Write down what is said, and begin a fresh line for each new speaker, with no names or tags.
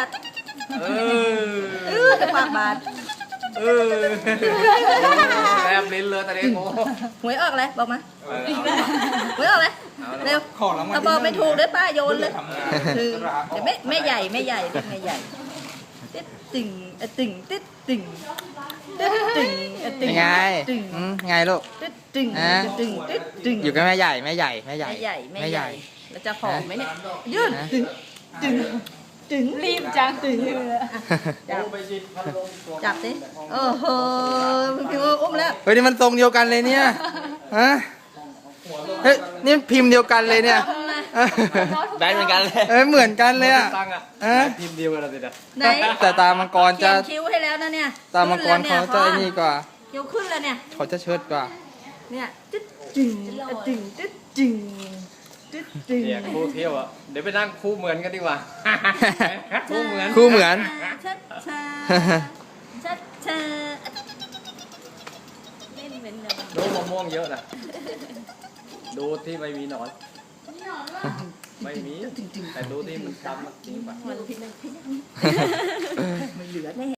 จะปากบาด
แลบลิ้นเลยตอนนี้โง่
หวยออกเลยบอกมาหวยออกเลยเร็วถ้าบอกไม่ถูกเด้อป้าโยนเลยคือแต่แม่ใหญ่แม่ใหญ่ติ๊ดติ่งติ่งติ๊ดติ่งติ๊ดติ่งติ่ง
ไง
ติ่ง
ไงลูก
ติ๊ดติ่งติ่งติ๊ดติ่ง
อยู่กับแม่ใหญ่
แล้วจะหอมไหมเนี่ยยืนตึงรีบจังตึงจับสิโอ้โหพี่อุ้มแล้ว
เฮ้ยนี่มันทรงเดียวกันเลยเนี่ยฮะเฮ้ยนี่พิมพ์เดียวกันเลยเนี่ย
แบนเหมือนกันเลย
เหมือนกันเลยอ่ะ
ตั้งอ่ะทีมเดียวกันเลยจ้ะ
ไหน
แต่ตามังกร
เขี
จะ
ยนคิ้วให้แล้วนะเนี่ย
ตามังกรเขาจะนี่กว่า
คิ้วขึ้นแล้วเนี่ย
เขาจะเชิดกว่า
เนี่ยตึ๊ดจึงตึงตึ๊ดจึงตึ๊ดจึง
เนี่ยคู่เที่ยวอ่ะเดี๋ยวไปนั่งคู่เหมือนกันดีกว่าคู่เหมือน
คู่เหมือน
ชัดชาชัดชาเล่นเหมือนเดิม
ดูมะม่วงเยอะนะดูที่ไม่มีหนอนไม่มีแต่ดูที่มันดำจริงป่ะ
มันเหลือแน่